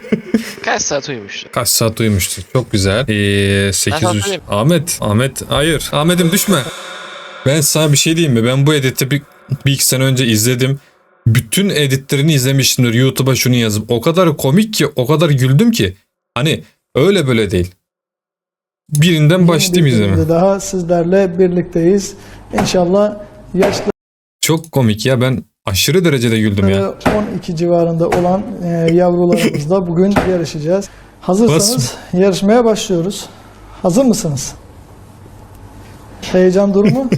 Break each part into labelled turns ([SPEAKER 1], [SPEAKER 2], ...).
[SPEAKER 1] Kaç saat uyumuştun?
[SPEAKER 2] Kaç saat uyumuştu? Çok güzel. 800.
[SPEAKER 1] hatırlayayım.
[SPEAKER 2] Ahmet, hayır. Ahmet'im düşme. Ben sana bir şey diyeyim mi? Ben bu editi bir iki sene önce izledim. Bütün editlerini izlemişimdir. YouTube'a şunu yazıp. O kadar komik ki, o kadar güldüm ki. Hani öyle böyle değil. Birinden başlayayım izleme.
[SPEAKER 3] Daha sizlerle birlikteyiz. İnşallah yaşlı
[SPEAKER 2] Çok komik ya, ben aşırı derecede güldüm ya.
[SPEAKER 3] 12 civarında olan yavrularımızla bugün yarışacağız. Hazırsanız yarışmaya başlıyoruz. Hazır mısınız? Heyecan durumu?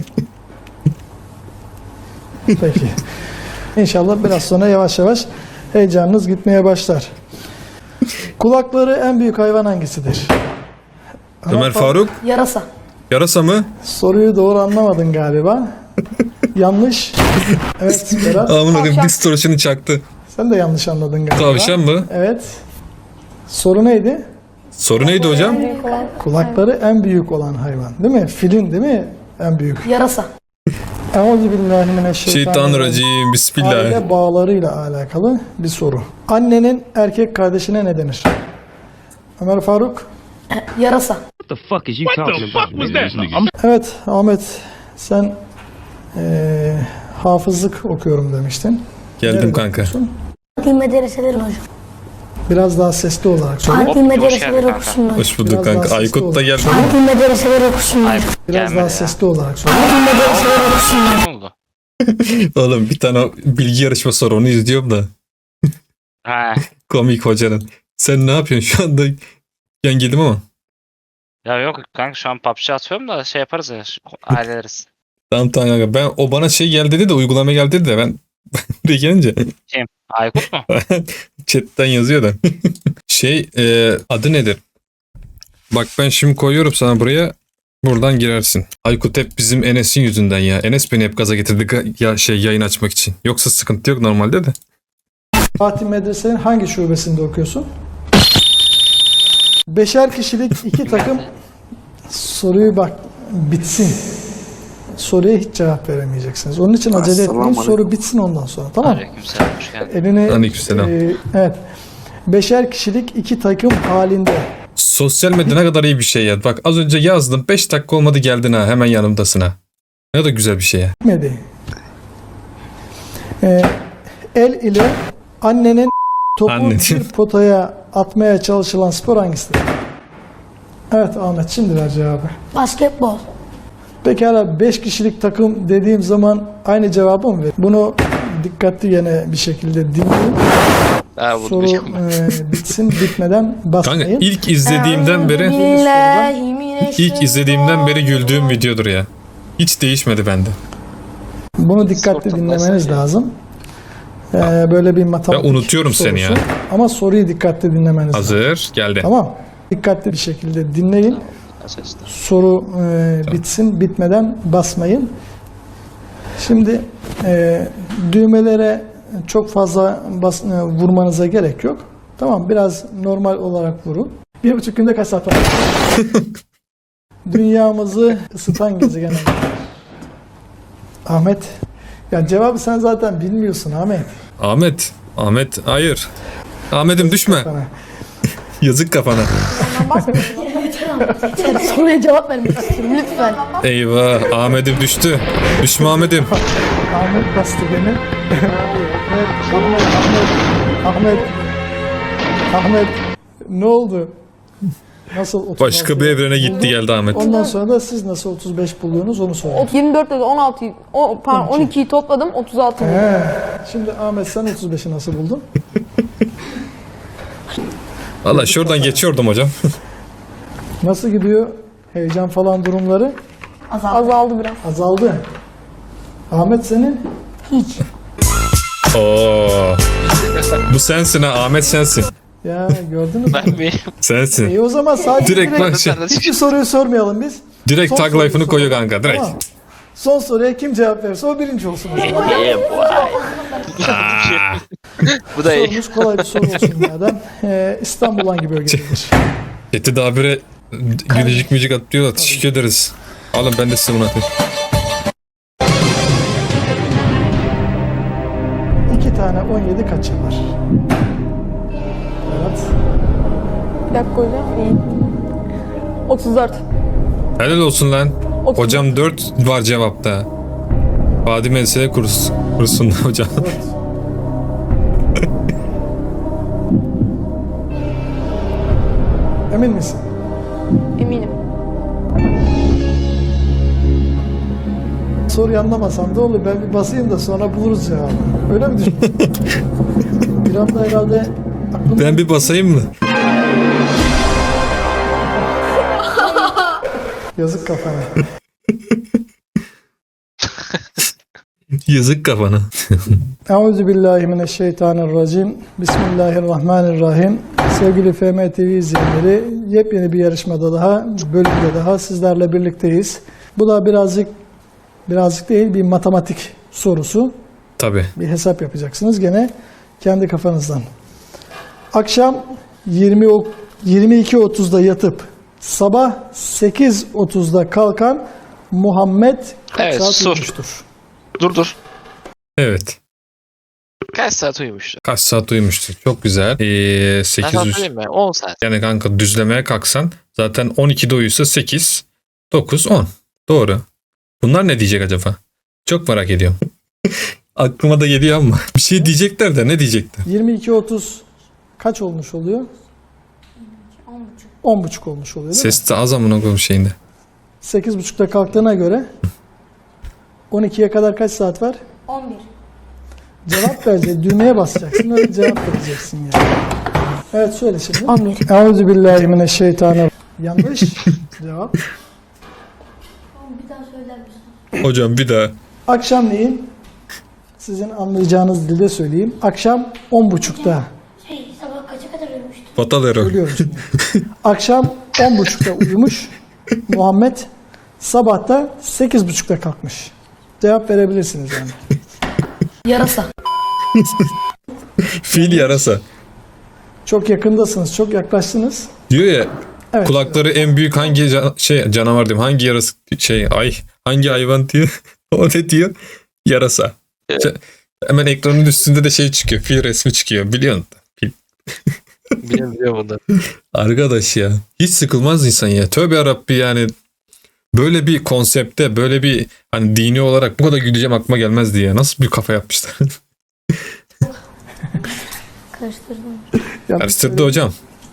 [SPEAKER 3] Peki. İnşallah biraz sonra yavaş yavaş heyecanınız gitmeye başlar. Kulakları en büyük hayvan hangisidir?
[SPEAKER 2] Ömer Faruk,
[SPEAKER 4] Yarasa.
[SPEAKER 2] yarasa mı?
[SPEAKER 3] Soruyu doğru anlamadın galiba. Yanlış. Evet Berat.
[SPEAKER 2] Amına koyayım, disk toruşunu çaktı.
[SPEAKER 3] Sen de yanlış anladın galiba.
[SPEAKER 2] Tavşan mı?
[SPEAKER 3] Evet. Soru neydi?
[SPEAKER 2] Soru neydi hocam?
[SPEAKER 3] Kulakları en büyük olan hayvan. Değil mi? Filin değil mi? En büyük.
[SPEAKER 4] Yarasa.
[SPEAKER 3] Euzubillahimineşşeytanirracim.
[SPEAKER 2] Şeytanirracim, bismillah.
[SPEAKER 3] Aile bağlarıyla alakalı bir soru. Annenin erkek kardeşine ne denir? Ömer Faruk.
[SPEAKER 4] Yarasa.
[SPEAKER 5] What the fuck is you talking about? Man?
[SPEAKER 3] Evet Ahmet sen hafızlık okuyorum demiştin.
[SPEAKER 2] Geldim
[SPEAKER 3] Nerede
[SPEAKER 2] kanka.
[SPEAKER 3] okuyorsun?
[SPEAKER 4] Fatih medreseleri hocam.
[SPEAKER 3] Biraz daha sesli olarak söyle.
[SPEAKER 4] Fatih medreseleri
[SPEAKER 1] geldin
[SPEAKER 4] okusun hocam.
[SPEAKER 2] Hoş bulduk
[SPEAKER 3] Biraz daha
[SPEAKER 2] kanka.
[SPEAKER 3] sesli
[SPEAKER 2] Aykut da
[SPEAKER 3] olur.
[SPEAKER 2] geldi.
[SPEAKER 4] Fatih medreseleri okusun hocam.
[SPEAKER 3] Biraz
[SPEAKER 1] Gelmedi
[SPEAKER 3] daha
[SPEAKER 1] ya.
[SPEAKER 3] sesli olarak söyle.
[SPEAKER 4] Fatih medreseleri okusun hocam.
[SPEAKER 1] Ne oldu?
[SPEAKER 2] Oğlum bir tane bilgi yarışma soru, onu izliyorum da.
[SPEAKER 1] Ha.
[SPEAKER 2] Komik hocanın. Sen ne yapıyorsun şu anda? Ben girdim ama.
[SPEAKER 1] Ya yok kanka şu an PUBG atıyorum da şey yaparız ya. Ailederiz.
[SPEAKER 2] Tamam kanka. Ben, o bana şey geldi dedi de, uygulama geldi dedi de ben buraya gelince
[SPEAKER 1] Kim? Aykut mu?
[SPEAKER 2] chatten yazıyor da. Adı nedir? Bak ben şimdi koyuyorum sana buraya. Buradan girersin. Aykut hep bizim Enes'in yüzünden ya. Enes beni hep gaza getirdi ya, yayın açmak için. Yoksa sıkıntı yok normalde de.
[SPEAKER 3] Fatih Medrese'nin hangi şubesinde okuyorsun? Beşer kişilik iki takım soruyu bak bitsin. Soruya hiç cevap veremeyeceksiniz. Onun için acele etmeyin. Soru bitsin ondan sonra. Tamam mı?
[SPEAKER 1] Aleykümselam. Hoş geldin.
[SPEAKER 3] Elini
[SPEAKER 2] Aleykümselam.
[SPEAKER 3] evet. Beşer kişilik iki takım halinde.
[SPEAKER 2] Sosyal medya ne kadar iyi bir şey ya. Bak az önce yazdım. 5 dakika olmadı geldin ha. Hemen yanımdasın ha. Ne kadar güzel bir şey ya.
[SPEAKER 3] Gitmedi. El ile annenin topu
[SPEAKER 2] Anneciğim.
[SPEAKER 3] bir potaya atmaya çalışılan spor hangisidir? Evet Ahmet şimdi ver cevabı.
[SPEAKER 4] Basketbol.
[SPEAKER 3] Pekala 5 kişilik takım dediğim zaman aynı cevabı mı ver? Bunu dikkatli yine bir şekilde dinleyin.
[SPEAKER 1] Ha, bu
[SPEAKER 3] Soru bitsin bitmeden
[SPEAKER 2] Kanka
[SPEAKER 3] basmayın.
[SPEAKER 2] ilk izlediğimden beri güldüğüm videodur ya. Hiç değişmedi bende.
[SPEAKER 3] Bunu dikkatli dinlemeniz lazım. Böyle bir matematik
[SPEAKER 2] Ben unutuyorum
[SPEAKER 3] sorusu.
[SPEAKER 2] seni ya.
[SPEAKER 3] Ama soruyu dikkatli dinlemeniz lazım.
[SPEAKER 2] Hazır geldi.
[SPEAKER 3] Tamam. Dikkatli bir şekilde dinleyin. Soru bitsin bitmeden basmayın. Şimdi düğmelere çok fazla vurmanıza gerek yok. Tamam biraz normal olarak vurun. 1,5 günde kaç saat var? Dünyamızı ısıtan gezegen. Ahmet. Ya cevabı sen zaten bilmiyorsun Ahmet.
[SPEAKER 2] Ahmet hayır. Ahmet'im düşme.
[SPEAKER 3] Sana.
[SPEAKER 2] Yazık kafana.
[SPEAKER 4] Soruya cevap vermek istiyorum lütfen.
[SPEAKER 2] Eyvah Ahmet'im düştü. Düşme Ahmet'im.
[SPEAKER 3] Ahmet bastı beni. Evet, Ahmet. Ne oldu? Nasıl 36?
[SPEAKER 2] Başka bir evrene gitti
[SPEAKER 3] buldun?
[SPEAKER 2] geldi Ahmet.
[SPEAKER 3] Ondan sonra da siz nasıl 35 buluyorsunuz onu sorun.
[SPEAKER 6] 24 dedi 16 pardon 12'yi topladım 36 buldum.
[SPEAKER 3] Şimdi Ahmet sen 35'i nasıl buldun?
[SPEAKER 2] Valla şuradan geçiyordum hocam.
[SPEAKER 3] Nasıl gidiyor? Heyecan falan durumları
[SPEAKER 6] Azaldı biraz.
[SPEAKER 3] azaldı. Ahmet senin?
[SPEAKER 2] Oo. Bu sensin ha, Ahmet sensin.
[SPEAKER 3] Ya gördünüz mü?
[SPEAKER 1] Ben bir
[SPEAKER 2] Sensin.
[SPEAKER 3] İyi o zaman sadece
[SPEAKER 2] Direkt bak şey.
[SPEAKER 3] hiçbir soruyu sormayalım biz.
[SPEAKER 2] Direkt
[SPEAKER 3] Son
[SPEAKER 2] tag
[SPEAKER 3] soruyu
[SPEAKER 2] life'ını koyuyor
[SPEAKER 3] soralım.
[SPEAKER 2] kanka direkt.
[SPEAKER 3] Tamam. Son soruya kim cevap verirse o birinci olsun. O zaman.
[SPEAKER 1] bu da iyi.
[SPEAKER 3] Sorumuz kolay bir soru olsun madem. İstanbul hangi bölgededir?
[SPEAKER 2] Eti daha bire gülücük mücük atıyorlar. Teşekkür ederiz. Alın ben de size bunu atayım.
[SPEAKER 3] 2 tane 17 kaç yapar? Evet.
[SPEAKER 6] Bir dakika hocam. İyi. 34.
[SPEAKER 2] Helal olsun lan.
[SPEAKER 6] 34.
[SPEAKER 2] Hocam 4 var cevapta. Fadime Enseye kursun hocam.
[SPEAKER 3] Emin misin?
[SPEAKER 6] Eminim.
[SPEAKER 3] Soruyu anlamasam da olur. Ben bir basayım da sonra buluruz cevabı. Öyle mi düşünüyorsun? Bir anda herhalde aklım...
[SPEAKER 2] Ben bir basayım mı?
[SPEAKER 3] Yazık kafana.
[SPEAKER 2] Yazık kafana.
[SPEAKER 3] Euzubillahimineşşeytanirracim. Bismillahirrahmanirrahim. Sevgili FM TV izleyenleri, yepyeni bir yarışmada daha, bölümde daha sizlerle birlikteyiz. Bu da birazcık değil, bir matematik sorusu.
[SPEAKER 2] Tabii.
[SPEAKER 3] Bir hesap yapacaksınız gene kendi kafanızdan. Akşam 22.30'da yatıp sabah 8.30'da kalkan Muhammed kaç
[SPEAKER 1] Evet,
[SPEAKER 3] saat
[SPEAKER 1] sor.
[SPEAKER 3] uyumuştur?
[SPEAKER 1] Dur.
[SPEAKER 2] Evet.
[SPEAKER 1] Kaç saat uyumuştu?
[SPEAKER 2] Kaç saat uyumuştur? Çok güzel.
[SPEAKER 1] Ben
[SPEAKER 2] 8
[SPEAKER 1] sana söyleyeyim mi? 10 saat.
[SPEAKER 2] yani kanka düzlemeye kalksan zaten 12'de uyusa 8, 9, 10. Doğru. Bunlar ne diyecek acaba? Çok merak ediyorum. Aklıma da geliyor ama. Bir şey diyecekler de ne diyecekler?
[SPEAKER 3] 22.30 kaç olmuş oluyor? 10.30 olmuş oluyor değil mi?
[SPEAKER 2] Ses de az amına koyayım şeyinde.
[SPEAKER 3] 8.30'da kalktığına göre 12'ye kadar kaç saat var?
[SPEAKER 4] 11.
[SPEAKER 3] Cevap vereceksin. Düğmeye basacaksın. Öyle cevap vereceksin yani. Evet söyle şimdi.
[SPEAKER 4] 11.
[SPEAKER 3] Euzubillahimineşşeytanirracim. Yanlış cevap.
[SPEAKER 4] Bir daha söyler misin?
[SPEAKER 2] Hocam bir daha.
[SPEAKER 3] Akşamleyin sizin anlayacağınız dilde söyleyeyim. Akşam 10.30'da
[SPEAKER 4] Sabah kaça kadar uyumuştun?
[SPEAKER 2] Fatal error.
[SPEAKER 3] söylüyorum şimdi. Akşam 10.30'da uyumuş Muhammed. Sabah da 8.30'da kalkmış. Cevap verebilirsiniz yani.
[SPEAKER 4] Yarasa.
[SPEAKER 2] Fil yarasa.
[SPEAKER 3] Çok yakındasınız, çok yaklaştınız.
[SPEAKER 2] Diyor ya
[SPEAKER 3] Evet.
[SPEAKER 2] kulakları en büyük hangi canavar diyeyim, hangi yarası hangi hayvan diyor. O ne diyor? Yarasa. Hemen ekranın üstünde de şey çıkıyor. Fil resmi çıkıyor. Biliyorsun. Fil.
[SPEAKER 1] Biliyorum bunları.
[SPEAKER 2] Arkadaş ya. Hiç sıkılmaz insan ya. Tövbe yarabbi yani. Böyle bir konsepte, böyle bir hani dini olarak bu kadar güleceğim aklıma gelmezdi ya. Nasıl bir kafa yapmışlar?
[SPEAKER 4] Karıştırdım.
[SPEAKER 2] Karıştırdı hocam.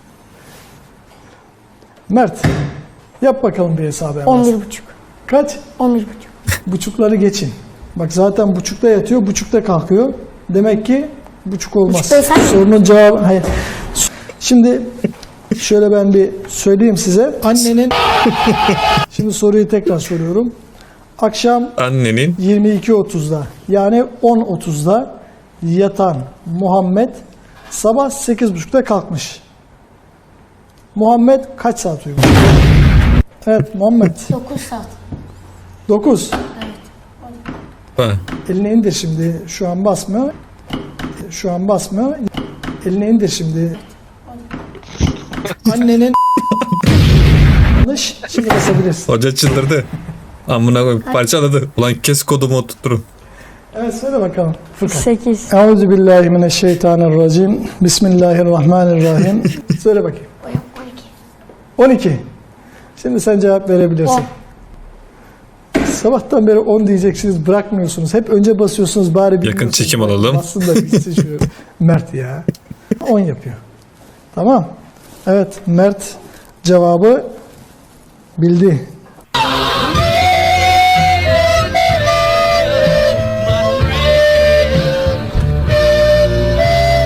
[SPEAKER 3] Mert, yap bakalım bir hesabı.
[SPEAKER 4] 11.5.
[SPEAKER 3] Kaç?
[SPEAKER 4] 11.5.
[SPEAKER 3] Buçukları geçin. Bak zaten buçukta yatıyor, buçukta kalkıyor. Demek ki buçuk olmaz.
[SPEAKER 4] Buçukta sen mi?
[SPEAKER 3] Sorunun cevabı... Hayır. Şimdi şöyle ben bir söyleyeyim size. Annenin... Şimdi soruyu tekrar soruyorum. Akşam
[SPEAKER 2] Annenin
[SPEAKER 3] 22.30'da yani 10.30'da yatan Muhammed sabah 8.30'da kalkmış. Muhammed kaç saat uyumuş? Evet Muhammed.
[SPEAKER 4] 9 saat.
[SPEAKER 3] 9.
[SPEAKER 2] ha,
[SPEAKER 3] Eline indir şimdi. Şu an basmıyor. Şu an basmıyor. Eline indir şimdi. Annenin yanlış. Şimdi basabilirsin.
[SPEAKER 2] hoca çıldırdı. Amına koyayım parçaladı. Ulan kes kodumu oturturum.
[SPEAKER 3] Evet söyle bakalım. Furkan.
[SPEAKER 4] 8.
[SPEAKER 3] Euzubillahimineşşeytanirracim. Bismillahirrahmanirrahim. Söyle bakayım.
[SPEAKER 4] 12.
[SPEAKER 3] 12. Şimdi sen cevap verebilirsin.
[SPEAKER 4] 10.
[SPEAKER 3] Sabahtan beri 10 diyeceksiniz, bırakmıyorsunuz. Hep önce basıyorsunuz bari bir
[SPEAKER 2] Yakın çekim alalım.
[SPEAKER 3] Aslında bitsin şu Mert ya. 10 yapıyor. Tamam. Evet Mert cevabı bildi.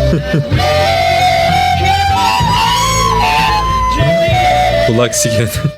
[SPEAKER 2] Kulak siken.